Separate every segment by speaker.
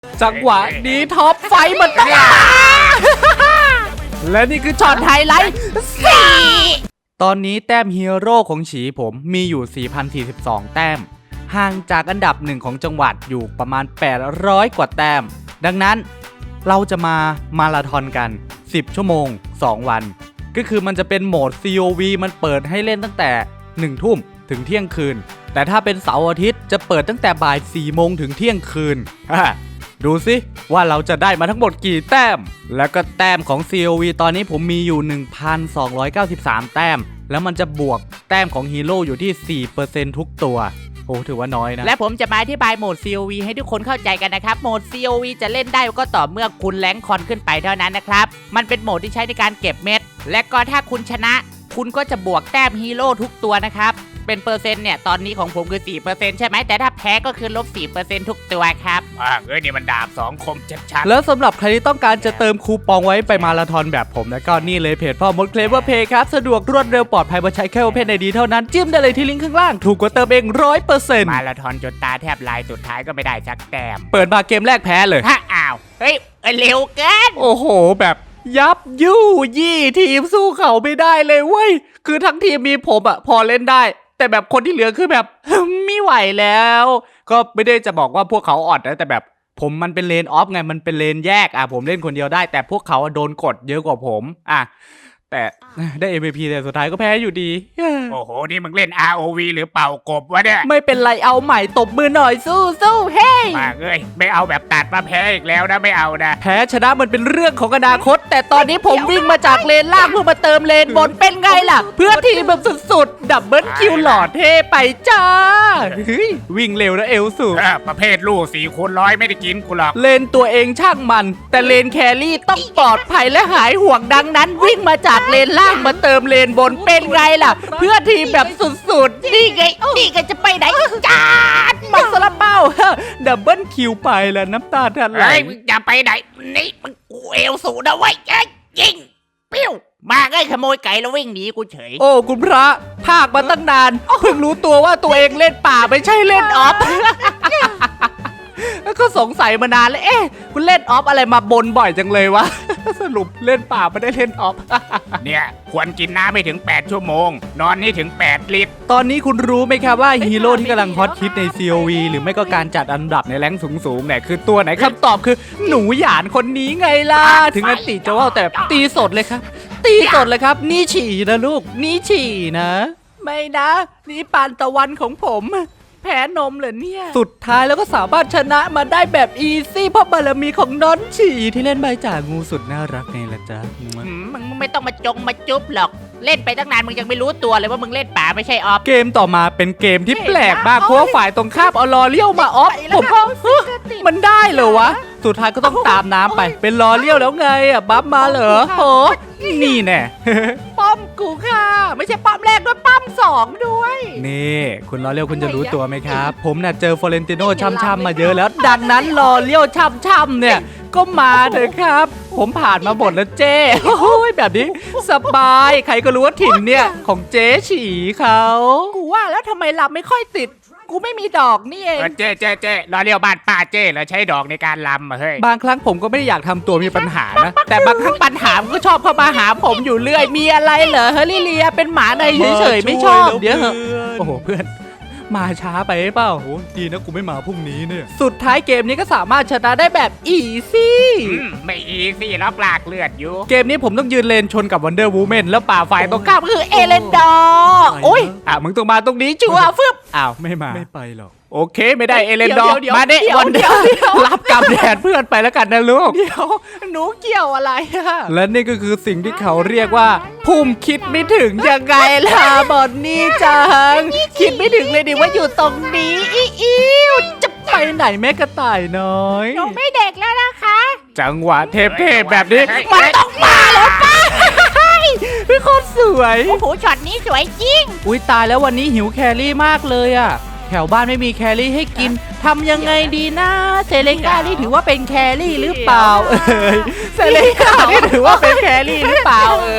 Speaker 1: จังหวะนี้ท็อปไฟมันต้องและนี่คือช็อตไฮไลท์ตอนนี้แต้มฮีโร่ของฉีผมมีอยู่ 4,042 แต้มห่างจากอันดับหนึ่งของจังหวัดอยู่ประมาณ 800 กว่าแต้มดังนั้นเราจะมาราธอนกัน10 ชั่วโมง 2 วันก็คือมันจะเป็นโหมด COV มันเปิดให้เล่นตั้งแต่ 1 ทุ่มถึงเที่ยงคืนแต่ถ้าเป็นเสาร์อาทิตย์จะเปิดตั้งแต่บ่าย 4 โมงถึงเที่ยงคืนดูสิว่าเราจะได้มาทั้งหมดกี่แต้มแล้วก็แต้มของ COV ตอนนี้ผมมีอยู่ 1,293 แต้มแล้วมันจะบวกแต้มของฮีโร่อยู่ที่ 4% ทุกตัวโอ้ถือว่าน้อยนะ
Speaker 2: และผมจะมาอธิบายโหมด COV ให้ทุกคนเข้าใจกันนะครับโหมด COV จะเล่นได้ก็ต่อเมื่อคุณแรงค์คอนขึ้นไปเท่านั้นนะครับมันเป็นโหมดที่ใช้ในการเก็บเม็ดและก็ถ้าคุณชนะคุณก็จะบวกแต้มฮีโร่ทุกตัวนะครับเป็นเปอร์เซ็นต์เนี่ยตอนนี้ของผมคือ 4% ใช่ไหมแต่ถ้าแพ้ก็คือลบ 4% ทุกตัวครับ
Speaker 3: นี่มันดาบ2 คมชัดๆ
Speaker 1: แล้วสำหรับใครที่ต้องการจะเติมคูปองไว้ไปมาราธอนแบบผมแล้วก็นี่เลยเพจพ่อมดเคลเวอร์เพย์ครับสะดวกรวดเร็วปลอดภัยมาใช้แค่ Open ID เท่านั้นจิ้มได้เลยที่ลิงก์ข้างล่างถูกกว่าเติมเอง 100%
Speaker 3: มาราธอนจนตาแทบลายสุดท้ายก็ไม่ได้สักแต้ม
Speaker 1: เปิดมาเกมแรกแพ้เลย
Speaker 2: อ้าวเฮ้ยเร็วเกิน
Speaker 1: โอ้โหแบบยับยู่ยี่ทีมสู้เขาไม่ได้เลยเว้ยคือทั้งทีมมีผมพอเล่นได้แต่แบบคนที่เหลือคือแบบ ไม่ไหวแล้วก็ไม่ได้จะบอกว่าพวกเขาอ่อนนะแต่แบบผมมันเป็นเลนออฟไงมันเป็นเลนแยกผมเล่นคนเดียวได้แต่พวกเขาโดนกดเยอะกว่าผมแต่ได้ MVP แต่สุดท้ายก็แพ้อยู่ดี
Speaker 3: โอ้โหนี่มึงเล่น ROV หรือเป่ากบวะเนี่ย
Speaker 1: ไม่เป็นไรเอาใหม่ตบมือหน่อยสู้เฮ้ย
Speaker 3: มาไม่เอาแบบตัดมาแพ้อีกแล้วนะไม่เอานะ
Speaker 1: แพ้ชนะมันเป็นเรื่องของอนาคตแต่ตอนนี้ผมวิ่งมาจากเลนล่างเพื่อมาเติมเลนบนเป็นไงล่ะเพื่อทีมแบบสุดๆดับเบิลคิวหล่อเท่ไปจ้าวิ่งเร็วนะเอลสู
Speaker 3: ประเภทลูก4x100ไม่ได้กินกูหรอก
Speaker 1: เลนตัวเองช่างมันแต่เลนแครี่ต้องปลอดภัยและหายห่วงดังนั้นวิ่งมาจากเลนล่างมาเติมเลนบนเป็นไงล่ะเพื่อทีมแบบสุดๆ
Speaker 2: นี่ไงจะไปไหนจ้า
Speaker 1: มาสลับเป้าดับเบิลคิวไปแล้วน้ำตาทันไหล
Speaker 3: มึงจะไปไหนนี่มึงเอวสูงนะเว้ยยิงปิ้ว
Speaker 2: มาขโมยไก่แล้ววิ่งหนีกูเฉย
Speaker 1: โอ้คุณพระภาคมาตั้งนานเพิ่งรู้ตัวว่าตัวเองเล่นป่าไม่ใช่เล่นออฟก็สงสัยมานานแล้วคุณเล่นออฟอะไรมาบนบ่อยจังเลยวะสรุปเล่นป่าไม่ได้เล่นออฟ
Speaker 3: เนี่ยควรกินน้ำไม่ถึง8 ชั่วโมงนอนนี่ถึง8 ลิตร
Speaker 1: ตอนนี้คุณรู้ไหมครับว่าฮีโร่ที่กำลังฮอตฮิตใน COV หรือไม่ก็การจัดอันดับในแรงสูงเนี่ยคือตัวไหนคำตอบคือหนูหยานคนนี้ไงล่ะถึงอันติจะว่าแต่ตีสดเลยครับตีสดเลยครับนี่ฉี่นะลูกนี่ฉี่นะไม่นะนี่ปานตะวันของผมแพ้นมเหรอเนี่ยสุดท้ายแล้วก็สามารถชนะมาได้แบบอีซี่เพราะบารมีของน้อนฉี่ที่เล่นใบจ่างูสุดน่ารักไงล่ะจ๊ะ
Speaker 2: มึงไม่ต้องมาจุ๊บหรอกเล่นไปตั้งนานมึงยังไม่รู้ตัวเลยว่ามึงเล่นป่าไม่ใช่ออฟ
Speaker 1: เกมต่อมาเป็นเกมที่แปลกมากเพราะว่าฝ่ายตรงข้ามเอาลอเลี้ยวมาออฟผมก็มันได้เหรอวะสุดท้ายก็ต้องตามน้ำไปเป็นลอเลี้ยวแล้วไงบัฟมาเหรอโหนี่แน่
Speaker 2: ป้อมกูค่ะไม่ใช่ป้อมแรกด้วยป้อม2ด้วย
Speaker 1: นี่คุณลอเลี้ยวคุณจะรู้ตัวไหมครับผมน่ะเจอฟลอเรนติโน่ช่ำๆมาเยอะแล้วดังนั้นลอเลี้ยวช่ำๆเนี่ยก็มาเถอะครับผมผ่านมาหมดแล้วเจ้โอ้ยแบบนี้สบายใครก็รู้ว่าถิ่นเนี่ยของเจ๊ฉีเขา
Speaker 2: กูว่าแล้วทำไมลำไม่ค่อยติดกูไม่มีดอกนี่เอง
Speaker 3: เจ๊รอเรียวบ้านป้าเจ๊แล้วใช้ดอกในการลำเฮ้ย
Speaker 1: บางครั้งผมก็ไม่ได้อยากทำตัวมีปัญหานะแต่บางครั้งปัญหามันก็ชอบเข้ามาหาผมอยู่เรื่อยมีอะไรเหรอเฮลิเลียเป็นหมาในเฉยๆไม่ชอบเดี๋ยวโอ้โหเพื่อนมาช้าไปเปล่าโหดีนะกูไม่มาพรุ่งนี้เนี่ยสุดท้ายเกมนี้ก็สามารถชนะได้แบบอีซี่
Speaker 3: ไม่อีซี่แล้วปลากเลือดอยู่
Speaker 1: เกมนี้ผมต้องยืนเลนชนกับวันเดอร์วูแมนแล้วป่าฝ่ายตรงข้าม
Speaker 2: คือเอเลนดอร์
Speaker 1: โอ้ยมึงต้องมาตรงนี้ชัวร์ฟึบไม่มาไม่ไปหรอกโอเคไม่ได้เอเลนดอร์มาเด้วันเดียวรับกำแดดเพื่อนไปแล้วกันนะลูก
Speaker 2: เดี๋ยวหนูเกี่ยวอะไร
Speaker 1: และนี่ก็คือสิ่งที่เขาเรียกว่าพุ่มคิดไม่ถึงยังไงล่ะบอนนี่จังคิดไม่ถึงเลยดิว่าอยู่ตรงนี้อิ้วจะไปไหนแม่กระต่ายน้อย
Speaker 2: หนูไม่เด็กแล้วนะคะ
Speaker 1: จังหวะเทพแบบนี้มันต้องมาแล้วป้าพี่โคตรสวย
Speaker 2: โอ้โหช็อตนี้สวยจริง
Speaker 1: อุ้ยตายแล้ววันนี้หิวแครี่มากเลยอ่ะแถวบ้านไม่มีแครี่ให้กินทำยังไงดีนะเซเลก้านี่ถือว่าเป็นแครี่หรือเปล่าเซเลก้านี่ถือว่าเป็นแครี่หรือเปล่า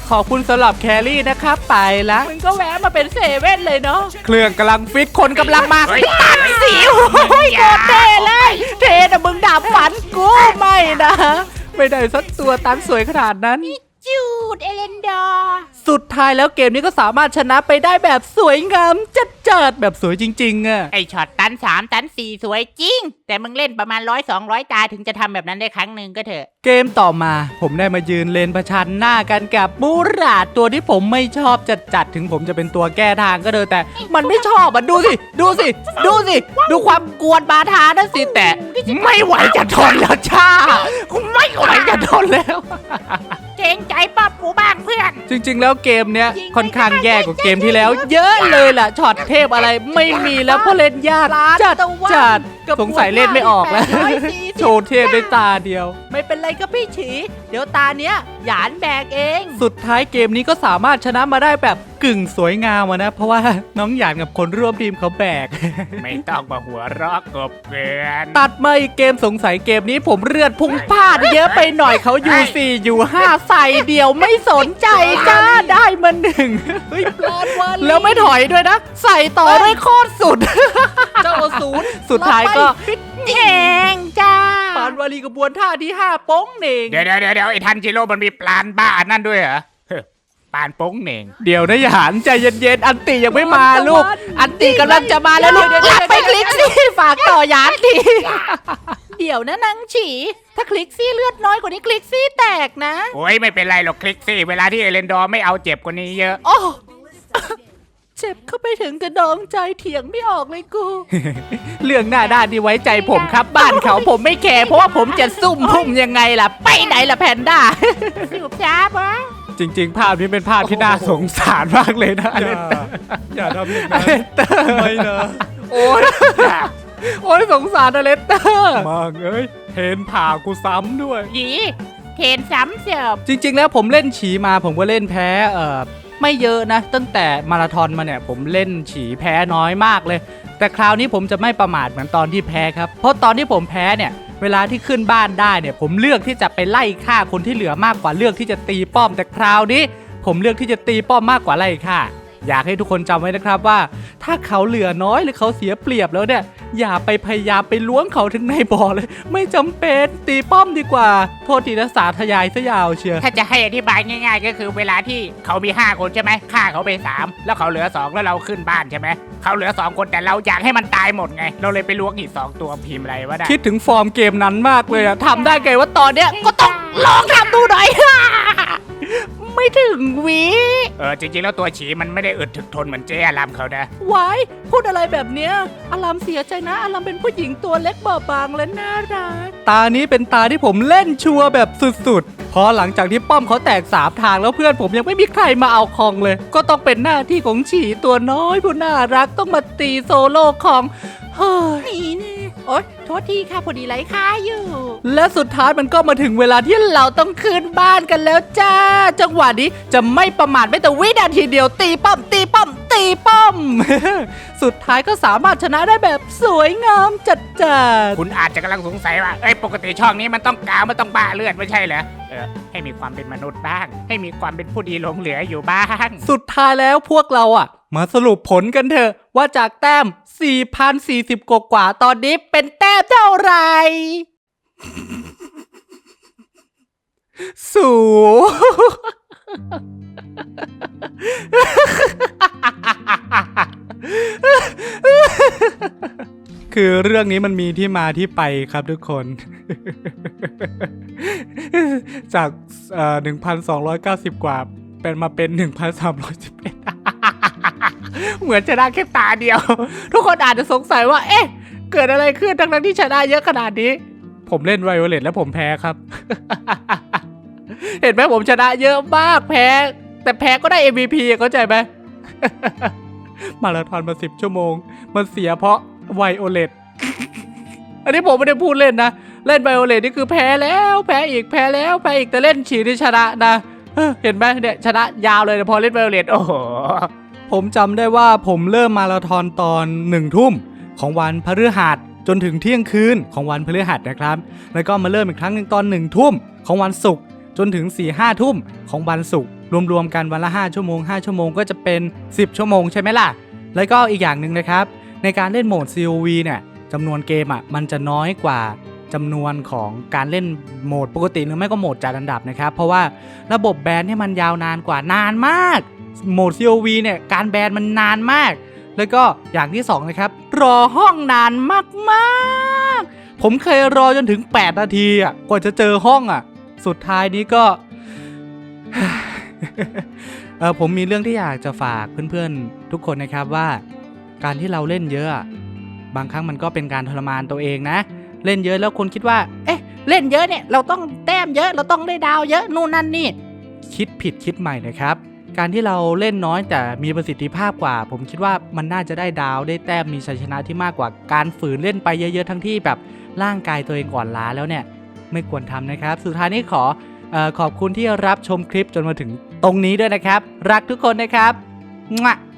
Speaker 1: ขอบคุณสำหรับแครี่นะครับไปละ
Speaker 2: มึงก็แวะมาเป็นเซเว่นเลยเนาะ
Speaker 1: เครื่องกำลังฟิตคนกำลังมา
Speaker 3: เฮ้ย
Speaker 1: ตัดสิวโอ้ยโคตรเท่เลยเท่นะมึงดับฝันกูไม่นะ ไม่ได้สักตัวตันสวยขนาดนั้น
Speaker 2: จูดเอเลนดอร์
Speaker 1: สุดท้ายแล้วเกมนี้ก็สามารถชนะไปได้แบบสวยงามจัดๆแบบสวยจริงๆอะ
Speaker 2: ไอช็อตตัน3ตัน4สวยจริง แต่มึงเล่นประมาณ100-200 ตาถึงจะทำแบบนั้นได้ครั้งหนึ่งก็เถอะ
Speaker 1: เกมต่อมาผมได้มายืนเลนประชันหน้ากันกับมูราดตัวที่ผมไม่ชอบจัดๆถึงผมจะเป็นตัวแก้ทางก็เถอะแต่มันไม่ชอบอ่ะดูสิดูความกวนบาทานั่นสิแต่ไม่ไหวจะทนแล้วจ้าไม่ไหวจะทนแล้ว
Speaker 2: เกรงใจป๊อบกูบ้างเพื่อน
Speaker 1: จริงๆ แล้วเกมเนี้ยค่อนข้างแย่กว่าเกมที่แล้ว เยอะเลยล่ะช็อตเทพอะไรไม่มีแล้วเพราะเล่นยากจัดสงสัยเล่นไม่ออกแล้ว โชว์เทพได้ตาเดียว
Speaker 2: ไม่เป็นไรก็พี่ฉี เดี๋ยวตาเนี้ยหยานแบกเอง
Speaker 1: สุดท้ายเกมนี้ก็สามารถชนะมาได้แบบกึ่งสวยงามอะนะ เพราะว่าน้องหยานกับคนร่วมทีมเขาแบก
Speaker 3: ไม่ต้องมาหัวเรอกกบเกลือน
Speaker 1: ตัดมาอีกเกมสงสัยเกมนี้ผมเลือดพุ่งพลาดเยอะไปหน่อยเขาอยู่ 4 อยู่ 5 ใส่เดียวไม่สนใจจ้าได้มา1เฮ้ยปลอดวันแล้วไม่ถอยด้วยนะ ใส่ต่อด้วยโคตรสุด
Speaker 2: เจ้าศูนย์
Speaker 1: สุดท้ายก็
Speaker 2: แหงจ้า
Speaker 1: ปานวารีกระบวนท่าที่ 5 โป้งเหน่ง
Speaker 3: เดี๋ยวไอ้ทันจิโร่มันมีปลานบ้าอันนั่นด้วยเหรอเฮ้อปานโป้งเหน่ง
Speaker 1: เดี๋ยวนะหยานใจเย็นๆอันติยังไม่มาลูก อันติกำลังจะมาแล้วลูกรับไปคลิกสิฝากต่อหยานที
Speaker 2: เดี๋ยวนะนางฉี ถ้าคลิกซี่เลือดน้อยกว่านี้คลิกซี่แตกนะ
Speaker 3: โอ้ยไม่เป็นไรหรอกคลิกซี่เวลาที่เอเลนดอร์ไม่เอาเจ็บกว่านี้เยอะ
Speaker 2: โอ้ เจ็บเข้าไปถึงกระดองใจเถียงไม่ออกเลยกู
Speaker 1: เรื่องหน้าด้านที่ไว้ใจผมครับบ้านเขาผมไม่แคร์เพราะว่าผมจะซุ่มพุ่มยังไงล่ะ ไปไหนล่ะแพนด้า
Speaker 2: สืบจ้าบะ
Speaker 1: จริงๆ ภาพนี้เป็นภาพที่น่าสงสารมากเลยนะอเลนเตอร์
Speaker 4: อย่าทำอย่างนั้น ไม่นะ
Speaker 1: โอ้ยโอ้ยสงสารอเลนเตอร์
Speaker 4: มากเอ้ยเทนผ่ากูซ้ำด้วย
Speaker 2: หยีเทนซ้ำเสิร์ฟ
Speaker 1: จริงๆ แล้วผมเล่นฉีมาผมก็เล่นแพ้ไม่เยอะนะ ตั้งแต่มาราธอนมาเนี่ยผมเล่นฉีแพ้น้อยมากเลย แต่คราวนี้ผมจะไม่ประมาทเหมือนตอนที่แพ้ครับเพราะตอนที่ผมแพ้เนี่ยเวลาที่ขึ้นบ้านได้เนี่ยผมเลือกที่จะไปไล่ฆ่าคนที่เหลือมากกว่าเลือกที่จะตีป้อมแต่คราวนี้ ผมเลือกที่จะตีป้อมมากกว่าไล่ฆ่าอยากให้ทุกคนจำไว้นะครับว่า ถ้าเขาเหลือน้อยหรือเขาเสียเปรียบแล้วเนี่ยอย่าไปพยายามไปล้วงเขาถึงในบ่อเลย ไม่จำเป็นตีป้อมดีกว่า โทษทีนะสาธยายซะยาวเชียว
Speaker 3: ถ้าจะให้อธิบายง่ายๆ ก็คือเวลาที่เขามี5คนใช่ไหมฆ่าเขาไป3แล้วเขาเหลือ2แล้วเราขึ้นบ้านใช่ไหมเขาเหลือ2คนแต่เราอยากให้มันตายหมดไงเราเลยไปล้วงอีก2ตัวพิมพ์อะไรวะได้
Speaker 1: คิดถึงฟอร์มเกมนั้นมากเลยอะทำได้ไงว่าตอนเนี้ยก็ต้องลองทำดูหน่อย ไม่ถึงวิ
Speaker 3: จริงๆแล้วตัวฉีมันไม่ได้อึดถึกทนเหมือนเจ๊อารามเขานะ
Speaker 2: ไว้พูดอะไรแบบเนี้ยอารามเสียใจนะอารามเป็นผู้หญิงตัวเล็กเบาบางและน่ารัก
Speaker 1: ตานี้เป็นตาที่ผมเล่นชัวร์แบบสุดๆ พอหลังจากที่ป้อมเขาแตก3ทางแล้วเพื่อนผมยังไม่มีใครมาเอาคองเลย ก็ต้องเป็นหน้าที่ของฉีตัวน้อยผู้น่ารักต้องมาตีโซโล่คองเฮ้ย
Speaker 2: นี่นี่โอ๊ยโทษทีค่ะพอดีไร้ค่าอยู่
Speaker 1: และสุดท้ายมันก็มาถึงเวลาที่เราต้องขึ้นบ้านกันแล้วจ้า จังหวะนี้จะไม่ประมาทไม่แต่วินาทีเดียวตีป้อมตีป้อมตีป้อม สุดท้ายก็สามารถชนะได้แบบสวยงามจัด
Speaker 3: คุณอาจจะกำลังสงสัยว่าปกติช่องนี้มันต้องกาวมันต้องบ้าเลือดไม่ใช่เหรอให้มีความเป็นมนุษย์บ้าง ให้มีความเป็นผู้ดีหลงเหลืออยู่บ้าง
Speaker 1: สุดท้ายแล้วพวกเราอ่ะ มาสรุปผลกันเถอะว่าจากแต้ม 4,040 กว่าตอนนี้เป็นแต้มเท่าไหร่ สูคือเรื่องนี้มันมีที่มาที่ไปครับทุกคน จาก1,290 กว่าเป็นมาเป็น 1,311 เหมือนชนะแค่ตาเดียว ทุกคนอาจจะสงสัยว่าเอ๊ะเกิดอะไรขึ้นทั้งที่ชนะเยอะขนาดนี้ ผมเล่นไวโอเลตแล้วผมแพ้ครับ เห็นไหมผมชนะเยอะมากแพ้แต่แพ้ก็ได้ MVP เข้าใจไหม มาราธอนมา10 ชั่วโมงมันเสียเพราะไวโอเลต อันนี้ผมไม่ได้พูดเล่นนะเล่นไวโอเลตนี่คือแพ้แล้วแพ้อีกแพ้แล้วแพ้อีกแต่เล่นฉีที่ชนะนะเห็นไหมเนี่ยชนะยาวเลยพอเล่นไวโอเลตโอ้โหผมจำได้ว่าผมเริ่มมาราธอนตอน1 ทุ่มของวันพฤหัสจนถึงเที่ยงคืนของวันพฤหัสนะครับแล้วก็มาเริ่มอีกครั้งหนึ่งตอน1 ทุ่มของวันศุกร์จนถึง4-5 ทุ่มของวันศุกร์รวมๆกันวันละ5ชั่วโมง5ชั่วโมงก็จะเป็น10ชั่วโมงใช่ไหมล่ะแล้วก็อีกอย่างหนึ่งนะครับในการเล่นโหมด COV เนี่ยจำนวนเกมมันจะน้อยกว่าจำนวนของการเล่นโหมดปกติหรือไม่ก็โหมดจัดอันดับนะครับเพราะว่าระบบแบนเนี่ยมันยาวนานกว่านานมากโหมด COV เนี่ยการแบนมันนานมากแล้วก็อย่างที่2นะครับรอห้องนานมากๆผมเคยรอจนถึง8นาทีกว่าจะเจอห้องสุดท้ายนี้ก็ ผมมีเรื่องที่อยากจะฝากเพื่อนๆทุกคนนะครับว่าการที่เราเล่นเยอะบางครั้งมันก็เป็นการทรมานตัวเองนะเล่นเยอะแล้วคนคิดว่าเอ๊ะเล่นเยอะเนี่ยเราต้องแต้มเยอะเราต้องได้ดาวเยอะนู่นนั่นนี่คิดผิดคิดใหม่นะครับการที่เราเล่นน้อยแต่มีประสิทธิภาพกว่าผมคิดว่ามันน่าจะได้ดาวได้แต้มมีชัยชนะที่มากกว่าการฝืนเล่นไปเยอะๆทั้งที่แบบร่างกายตัวเองอ่อนล้าแล้วเนี่ยไม่ควรทำนะครับสุดท้ายนี้ขอบคุณที่รับชมคลิปจนมาถึงตรงนี้ด้วยนะครับรักทุกคนนะครับ